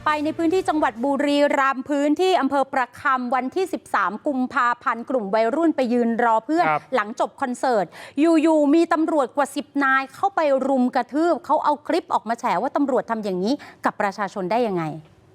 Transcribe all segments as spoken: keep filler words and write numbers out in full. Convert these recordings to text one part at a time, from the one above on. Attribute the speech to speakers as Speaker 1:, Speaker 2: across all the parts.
Speaker 1: ไปในพื้นที่จังหวัดบุรีรัมย์พื้นที่อำเภอประคำวันที่สิบสามกุมภาพันธ์กลุ่มวัยรุ่นไปยืนรอเพื่อนหลังจบคอนเสิร์ตอยู่ๆมีตำรวจกว่าสิบนายเข้าไปรุมกระทืบเขาเอาคลิปออกมาแฉว่าตำรวจทำอย่างนี้กับประชาชนได้ยังไง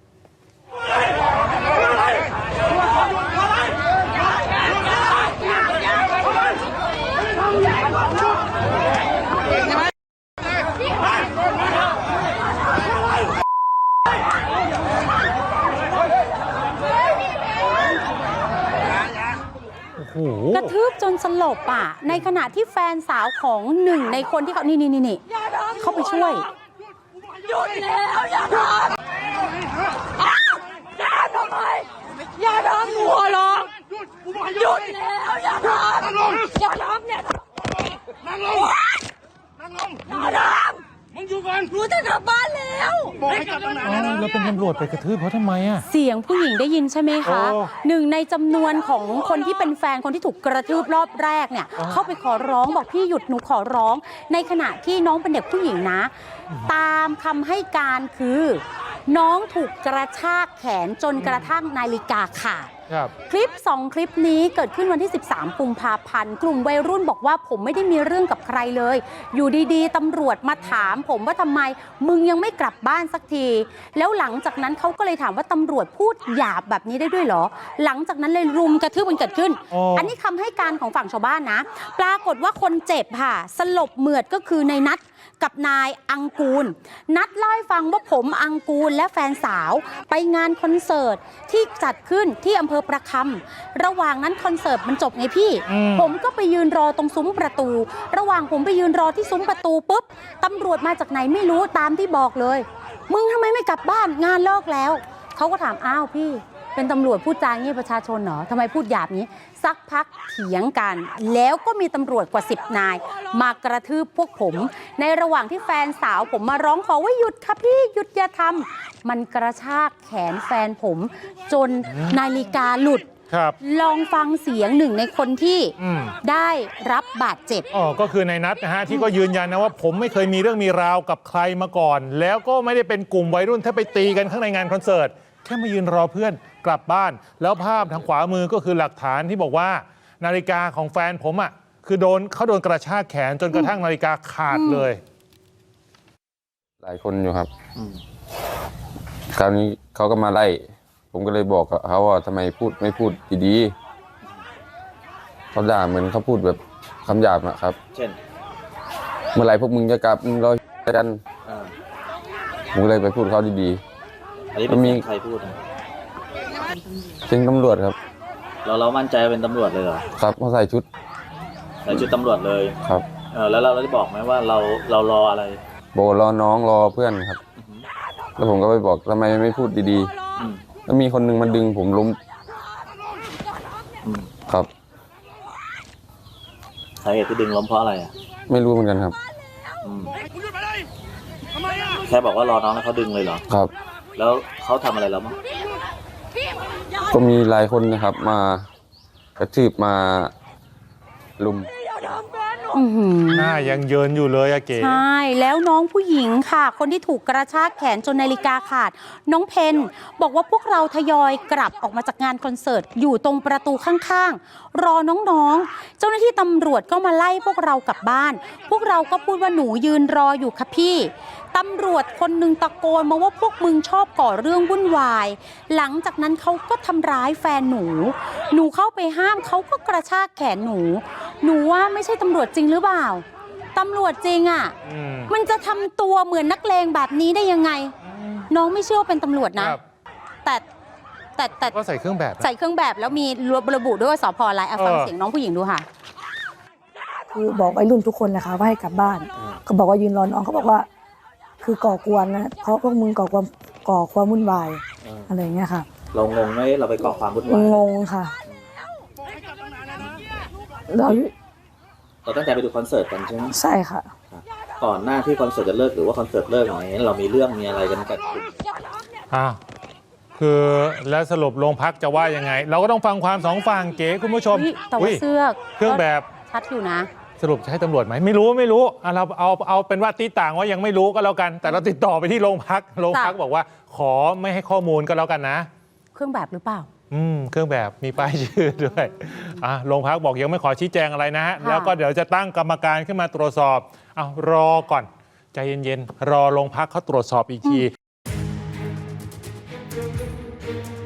Speaker 1: กระทืบจนสลบอ่ะในขณะที่แฟนสาวของหนึ่งในคนที่เขานี่นี่นี่เข้าไปช่วยหยุดแล้วอย่าทำอย่าทำไมอย่าทำหัวหรอกหยุดแล้วอย่าทำอย่าทำเนี่ยนั่งลงนั่งลงอย่าทำมึงอยู่ก่อนรู้จะกลับบ้านแล้วบอกให้กลับตั้งนานแล้วนะแล้วเป็นตำรวจไปกระทืบเพราะทำไมอ่ะเสียงผู้หญิงได้ยินใช่ไหมคะหนึ่งในจำนวนของคนที่เป็นแฟนคนที่ถูกกระทืบรอบแรกเนี่ยเข้าไปขอร้องบอกพี่หยุดหนูขอร้องในขณะที่น้องเป็นเด็กผู้หญิงนะตามคำให้การคือน้องถูกกระชากแขนจนกระทั่งนาฬิกาขาดคลิปสองคลิปนี้เกิดขึ้นวันที่สิบสามกุมภาพันธ์กลุ่มวัยรุ่นบอกว่าผมไม่ได้มีเรื่องกับใครเลยอยู่ดีๆตำรวจมาถามผมว่าทำไมมึงยังไม่กลับบ้านสักทีแล้วหลังจากนั้นเขาก็เลยถามว่าตำรวจพูดหยาบแบบนี้ได้ด้วยเหรอหลังจากนั้นเลยรุมกระทืบมันเกิดขึ้น อ, อันนี้คำให้การของฝั่งชาวบ้านนะปรากฏว่าคนเจ็บค่ะสลบเหมือดก็คือในนัดกับนายอังกูลนัดเล่าให้ฟังว่าผมอังกูลและแฟนสาวไปงานคอนเสิร์ตที่จัดขึ้นที่อำเภอประคำระหว่างนั้นคอนเสิร์ตมันจบไงพี่ผมก็ไปยืนรอตรงซุ้มประตูระหว่างผมไปยืนรอที่ซุ้มประตูปุ๊บตำรวจมาจากไหนไม่รู้ตามที่บอกเลยมึงทำไมไม่กลับบ้านงานเลิกแล้วเขาก็ถามอ้าวพี่เป็นตำรวจพูดจาอย่างนี้ประชาชนเหรอทำไมพูดหยาบนี้สักพักเถียงกันแล้วก็มีตำรวจกว่าสิบนายมากระทืบพวกผมในระหว่างที่แฟนสาวผมมาร้องขอว่าหยุดค่ะพี่หยุดอย่าทำมันกระชากแขนแฟนผมจนนาฬิกาหลุดลองฟังเสียงหนึ่งในคนที่ได้รับบาดเจ็บ
Speaker 2: อ๋อก็คือในนัดนะฮะที่ก็ยืนยันนะว่าผมไม่เคยมีเรื่องมีราวกับใครมาก่อนแล้วก็ไม่ได้เป็นกลุ่มวัยรุ่นที่ไปตีกันข้างในงานคอนเสิร์ตแค่มายืนรอเพื่อนกลับบ้านแล้วภาพทางขวามือก็คือหลักฐานที่บอกว่านาฬิกาของแฟนผมอ่ะคือโดนเขาโดนกระชากแขนจนกระทั่งนาฬิกาขาดเลย
Speaker 3: หลายคนอยู่ครับคราวนี้เขาก็มาไล่ผมก็เลยบอกเขาว่าทำไมพูดไม่พูดดีๆเขาด่าเหมือนเขาพูดแบบคำหยาบนะครับเช่นเมื่อไหร่พวกมึงจะกลับมึงรอกันผมเลยไปพูดเขาดีๆอันนี้เป็นใครพูดนะเป็นตำรวจครับ
Speaker 4: เราเรามั่นใจเป็นตำรวจเลยเหรอ
Speaker 3: ครับเขาใส่ชุด
Speaker 4: ใส่ชุดตำรวจเลย
Speaker 3: ครับ
Speaker 4: เออแล้วเราได้บอกไหมว่าเราเรารออะไร
Speaker 3: โบรอน้องรอเพื่อนครับแล้วผมก็ไปบอกทำไมไม่พูดดีๆแล้วมีคนหนึ่งมาดึงผมล้มครับ
Speaker 4: สาเหตุที่ดึงล้มเพราะอะไรอ่ะ
Speaker 3: ไม่รู้เหมือนกันครับ
Speaker 4: แค่บอกว่ารอน้องแล้วเขาดึงเลยเหรอ
Speaker 3: ครับ
Speaker 4: แล้วเขาทำอะไรเราบ้าง
Speaker 3: ก็มีหลายคนนะครับมากระทืบมาลุม
Speaker 2: หน้ายังเยินอยู่เลยอะเก๋
Speaker 1: ใช่แล้วน้องผู้หญิงค่ะคนที่ถูกกระชากแขนจนนาฬิกาขาดน้องเพนบอกว่าพวกเราทยอยกลับออกมาจากงานคอนเสิร์ตอยู่ตรงประตูข้างๆรอน้องๆเจ้าหน้าที่ตำรวจก็มาไล่พวกเรากลับบ้านพวกเราก็พูดว่าหนูยืนรออยู่ค่ะพี่ตำรวจคนหนึ่งตะโกนมาว่าพวกมึงชอบก่อเรื่องวุ่นวายหลังจากนั้นเขาก็ทำร้ายแฟนหนูหนูเข้าไปห้ามเขาก็กระชากแขนหนูหนูว่าไม่ใช่ตำรวจจริงหรือเปล่าตำรวจจริงอ่ะมันจะทำตัวเหมือนนักเลงแบบนี้ได้ยังไงน้องไม่เชื่อว่าเป็นตำรวจนะแต่แต่แต่
Speaker 2: ก็ใส่เครื่องแบบ
Speaker 1: ใส่เครื่องแบบแล้วมีระบุด้วยว่าสพอะไรฟังเสียงน้องผู้หญิงดูค่ะ
Speaker 5: คือบอกวัยรุ่นทุกคนนะคะว่าให้กลับบ้านก็บอกว่ายืนรอน้องเขาบอกว่าคือก่อกวนนะเพราะพวกมึงก่อความก่อความวุ่นวายอะไรอย่างเงี้ยค่ะ
Speaker 4: เรางงไหมเราไปก่อความวุ่นวาย
Speaker 5: งงค่ะเรา
Speaker 4: เราตั้งใจไปดูคอนเสิร์ตกันใช่ไหม
Speaker 5: ใช่ค่ะ
Speaker 4: ก่อนหน้าที่คอนเสิร์ตจะเลิกหรือว่าคอนเสิร์ตเลิกอะไรเรามีเรื่องมีอะไรกันกัน
Speaker 2: อ่าคือแล้วสรุปโรงพักจะว่ายังไงเราก็ต้องฟังความสองฝั่งเก๋คุณผู้ชม
Speaker 1: แต่ว่าเสื้อ
Speaker 2: เครื่องแบบ
Speaker 1: ชัดอยู่นะ
Speaker 2: สรุปจะให้ตำรวจไหมไม่รู้ไม่รู้อ่ะเราเอาเอาเป็นว่าตีต่างว่ายังไม่รู้ก็แล้วกัน แต่เราติดต่อไปที่โรงพักโรงพักบอกว่าขอไม่ให้ข้อมูลก็แล้วกันนะ
Speaker 1: เครื่องแบบหรือเปล่า
Speaker 2: อืมเครื่องแบบมีป้ายชื่อด้วยอ่ะโรงพักบอกยังไม่ขอชี้แจงอะไรนะฮะแล้วก็เดี๋ยวจะตั้งกรรมการขึ้นมาตรวจสอบเอารอก่อนใจเย็นๆรอโรงพักเขาตรวจสอบอีกที